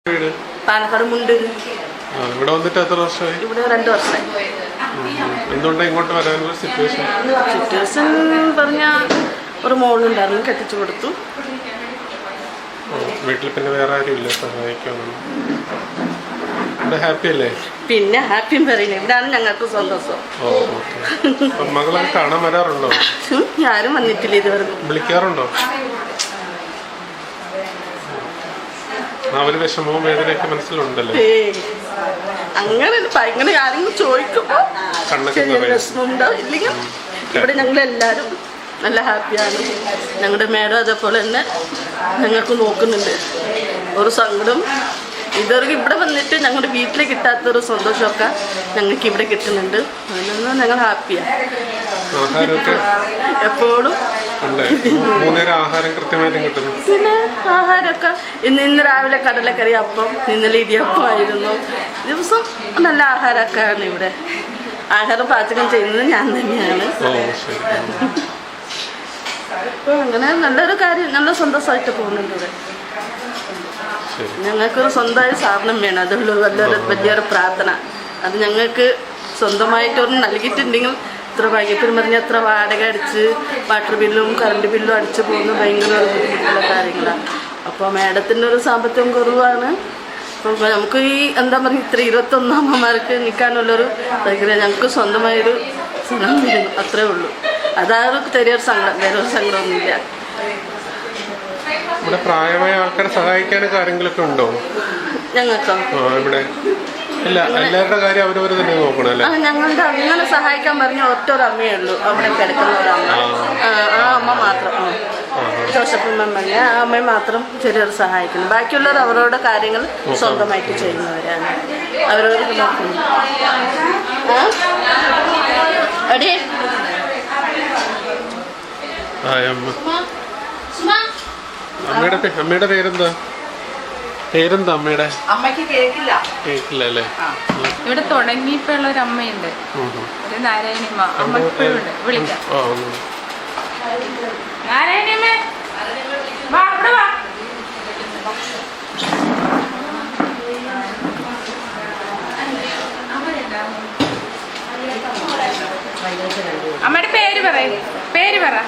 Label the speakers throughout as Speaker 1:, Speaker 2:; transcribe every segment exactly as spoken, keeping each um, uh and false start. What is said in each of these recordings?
Speaker 1: പാലക്കാട് മുണ്ട്.
Speaker 2: ഇവിടെ വന്നിട്ട് എത്ര വർഷമായി?
Speaker 1: ഇവിടെ രണ്ട് വർഷമായി.
Speaker 2: എന്തുകൊണ്ടാണ് ഇങ്ങോട്ട് വരാനുള്ള സിറ്റുവേഷൻ?
Speaker 1: സിറ്റുവേഷൻ പറഞ്ഞാൽ ഒരു മോളുണ്ടായിരുന്നു, കെട്ടിച്ചു കൊടുത്തു.
Speaker 2: വീട്ടിൽ പിന്നെ വേറെ ആരും ഇല്ല സഹായിക്കാനൊന്നും? ഇവിടെ ഹാപ്പി അല്ലേ?
Speaker 1: പിന്നെ ഹാപ്പിയും പറയുന്നത് ഇവിടെയാണ് ഞങ്ങൾക്ക് സന്തോഷം.
Speaker 2: Oh okay. മകളെ കാണാൻ വരാറുണ്ടോ?
Speaker 1: ആരും വന്നിട്ടില്ല ഇതുവരെ.
Speaker 2: വിളിക്കാറുണ്ടോ? അവര് വിഷമവും വേദനയൊക്കെ മനസ്സിലുണ്ടല്ലോ.
Speaker 1: അങ്ങനെ ഭയങ്കര ആരെങ്കിലും ചോദിക്കുമ്പോ വിഷമമുണ്ടാവും. ഇല്ലെങ്കിൽ ഇവിടെ ഞങ്ങളെല്ലാരും നല്ല ഹാപ്പിയാണ്. ഞങ്ങളുടെ മേഡം അതേപോലെ തന്നെ ഞങ്ങൾക്ക് നോക്കുന്നുണ്ട്. ഒരു സങ്കടം ഇതുവരെ ഇവിടെ വന്നിട്ട് ഞങ്ങളുടെ വീട്ടിൽ കിട്ടാത്തൊരു സന്തോഷമൊക്കെ ഞങ്ങൾക്ക് ഇവിടെ കിട്ടുന്നുണ്ട്. അതിനൊന്നും ഞങ്ങൾ ഹാപ്പിയാണ്. എപ്പോഴും
Speaker 2: ആഹാരം കൃത്യമായിട്ട് കിട്ടുന്നു.
Speaker 1: പിന്നെ ആഹാരമൊക്കെ ഇന്ന് ഇന്ന് രാവിലെ കടലക്കറി അപ്പം, ഇന്നലെ ഇടിയപ്പം ആയിരുന്നു. ദിവസം നല്ല ആഹാരമൊക്കെയാണ് ഇവിടെ. ആഹാരം പാചകം ചെയ്യുന്നത് ഞാൻ തന്നെയാണ്. അപ്പോൾ അങ്ങനെ നല്ലൊരു കാര്യം, നല്ല സന്തോഷമായിട്ട് പോകുന്നുണ്ട് ഇവിടെ. ഞങ്ങൾക്കൊരു സ്വന്തമായ സാധനം വേണം. അതുള്ള വലിയൊരു വലിയൊരു പ്രാർത്ഥന. അത് ഞങ്ങൾക്ക് സ്വന്തമായിട്ടൊന്നും നൽകിയിട്ടുണ്ടെങ്കിൽ ഇത്ര ഭാഗ്യത്തിന് പറഞ്ഞാൽ എത്ര വാടക അടിച്ച് വാട്ടർ ബില്ലും കറണ്ട് ബില്ലും അടിച്ച് പോകുന്ന ഭയങ്കര ഒരു ബുദ്ധിമുട്ടുള്ള കാര്യങ്ങളാണ്. അപ്പോൾ മാഡത്തിൻ്റെ ഒരു സാമ്പത്തികം കുറവാണ്. അപ്പോൾ നമുക്ക് ഈ എന്താ പറയുക ഇത്ര ഇരുപത്തൊന്ന് അമ്മമാർക്ക് നിൽക്കാനുള്ളൊരു ഭയങ്കര ഞങ്ങൾക്ക് സ്വന്തമായൊരു സ്ഥലം വരുന്നു, അത്രേ ഉള്ളൂ. അതാണ് ചെറിയൊരു സങ്കടം, വേറെ ഒരു സങ്കടമൊന്നുമില്ല.
Speaker 2: ഇവിടെ പ്രായമായ ആൾക്കാരെ സഹായിക്കാനൊക്കെ ആരെങ്കിലുമൊക്കെ ഉണ്ടോ
Speaker 1: ഞങ്ങൾക്കോ?
Speaker 2: ഇവിടെ ഇല്ല, എല്ലാവരുടെ കാര്യം അവരവർ തന്നെ നോക്കണം അല്ലേ?
Speaker 1: ഞങ്ങളുടെ അങ്ങനെ സഹായിക്കാൻ പറഞ്ഞ ഒറ്റ ഒരു അമ്മയേ ഉള്ളൂ അവിടെ കിടക്കുന്ന ഒരു അമ്മ. ആ അമ്മ മാത്രം, ജോസഫമ്മ പറഞ്ഞ ആ അമ്മയെ മാത്രം ചെറിയൊരു സഹായിക്കുന്നു. ബാക്കിയുള്ളവർ അവരുടെ കാര്യങ്ങൾ സ്വന്തമായിട്ട് ചെയ്യുന്നവരാണ്. അവരവർ നോക്കുന്നു. അടി
Speaker 2: അമ്മയുടെ അമ്മയുടെ പേരെന്താ? പേരെന്താ അമ്മയുടെ?
Speaker 1: അമ്മയ്ക്ക് കേക്കില്ല
Speaker 2: കേക്കില്ല അല്ലേ?
Speaker 3: ഇവിടെ തുടങ്ങിയപ്പോഴുള്ള ഒരു അമ്മയുണ്ട്, ഒരു നാരായണിയമ്മ. അമ്മ ഇപ്പോഴും ഉണ്ട്. വിളിക്കാം. നാരായണിയമ്മേ വാ, ഇവിടെ വാ. അമ്മയുടെ പേര് പറയും, പേര് പറ.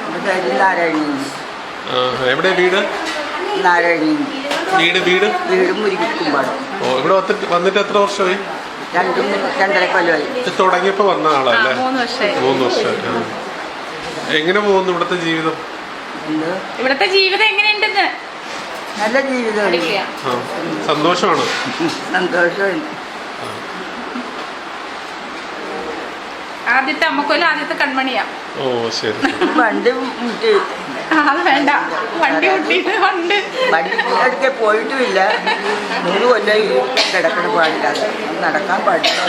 Speaker 2: എവിടെ വീട്?
Speaker 4: നാരായണി
Speaker 2: വീട് വീട്
Speaker 4: വീട് മുരിക്കുമ്പാട്.
Speaker 2: ഓ, ഇവിടെ വന്നിട്ട് എത്ര വർഷമായി?
Speaker 4: രണ്ടും രണ്ടര കൊല്ലമായി.
Speaker 2: തുടങ്ങിയപ്പോ വന്ന ആളല്ലേ?
Speaker 3: മൂന്ന് വർഷമായി.
Speaker 2: മൂന്ന് വർഷമായി. എങ്ങനെ പോകുന്നു ഇവിടുത്തെ ജീവിതം?
Speaker 3: ഇവിടുത്തെ ജീവിതം എങ്ങനെയുണ്ടെന്ന്?
Speaker 4: നല്ല ജീവിതമാണ്.
Speaker 2: സന്തോഷമാണ്.
Speaker 4: സന്തോഷമാണ്.
Speaker 3: ആദ്യത്തെ അമ്മക്കൊല്ല ആദ്യത്തെ കൺമണിയാ.
Speaker 2: ഓ ശരി.
Speaker 4: വണ്ടി മുട്ടി
Speaker 3: അത് വേണ്ട, വണ്ടി മുട്ടിയിട്ട് ഉണ്ട്.
Speaker 4: വണ്ടി അടുക്കെ പോയിട്ടുമില്ല. മൂന്ന് കൊല്ലം കിടക്കണ പാടില്ല, നടക്കാൻ പാടില്ല.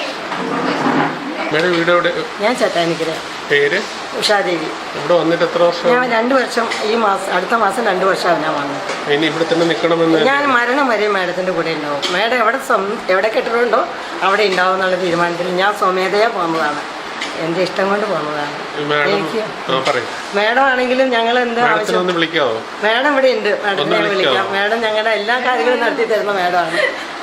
Speaker 2: വീട് എവിടെ?
Speaker 5: ഞാൻ ചട്ടാനിക്കര.
Speaker 2: പേര്?
Speaker 5: ഉഷാദേവി.
Speaker 2: ഇവിടെ വന്നിട്ട് എത്ര വർഷം?
Speaker 5: ഞാൻ രണ്ടു വർഷം, ഈ മാസം അടുത്ത മാസം രണ്ടു വർഷമാണ് ഞാൻ വന്നത്.
Speaker 2: ഇനി ഇവിടെ തന്നെ നിൽക്കണമെന്ന്?
Speaker 5: ഞാൻ മരണം വരെ മാഡത്തിൻ്റെ കൂടെ ഉണ്ടാവും. മാഡം എവിടെ എവിടെ കെട്ടിടമുണ്ടോ അവിടെ ഉണ്ടാവും എന്നുള്ള തീരുമാനത്തിൽ ഞാൻ സ്വമേധയാ പോകുന്നതാണ്. എൻ്റെ ഇഷ്ടം കൊണ്ട് പോകുന്നതാണ്. എനിക്ക് മാഡം ആണെങ്കിലും ഞങ്ങൾ എന്താ ആവശ്യം, മാഡം ഇവിടെ ഉണ്ട്. മാഡത്തിനെ വിളിക്കാം. മാഡം ഞങ്ങളുടെ എല്ലാ കാര്യങ്ങളും നടത്തി തരുന്ന മാഡമാണ്.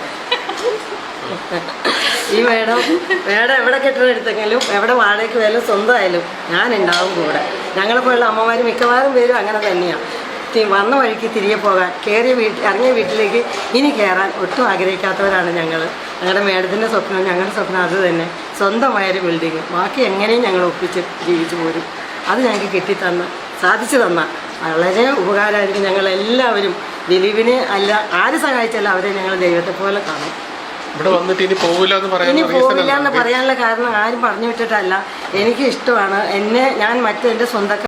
Speaker 5: ഈ മേഡം മേഡം എവിടെ കെട്ടിടം എടുത്തെങ്കിലും എവിടെ വാടകയ്ക്ക് പോയാലും സ്വന്തമായാലും ഞാൻ ഉണ്ടാവും കൂടെ. ഞങ്ങളെപ്പോലുള്ള അമ്മമാർ മിക്കവാറും പേരും അങ്ങനെ തന്നെയാണ്. വന്ന വഴിക്ക് തിരികെ പോകാൻ, കയറിയ വീട്ടിൽ ഇറങ്ങിയ വീട്ടിലേക്ക് ഇനി കയറാൻ ഒട്ടും ആഗ്രഹിക്കാത്തവരാണ് ഞങ്ങൾ. ഞങ്ങളുടെ മേഡത്തിൻ്റെ സ്വപ്നം, ഞങ്ങളുടെ സ്വപ്നം അത് തന്നെ, സ്വന്തമായൊരു ബിൽഡിങ്. ബാക്കി എങ്ങനെയും ഞങ്ങൾ ഒപ്പിച്ച് ജീവിച്ചു പോരും. അത് ഞങ്ങൾക്ക് കെട്ടിത്തന്ന സാധിച്ചു തന്ന വളരെ ഉപകാരമായിരിക്കും. ഞങ്ങളെല്ലാവരും ദിലീപിനെ അല്ല ആര് സഹായിച്ചാലും അവരെ ഞങ്ങൾ ദൈവത്തെ പോലെ കാണും.
Speaker 2: ഇനി പോവില്ല
Speaker 5: എന്ന് പറയാനുള്ള കാരണം ആരും പറഞ്ഞു വിട്ടിട്ടല്ല. എനിക്ക് ഇഷ്ടമാണ്. എന്നെ ഞാൻ മറ്റെൻ്റെ സ്വന്തം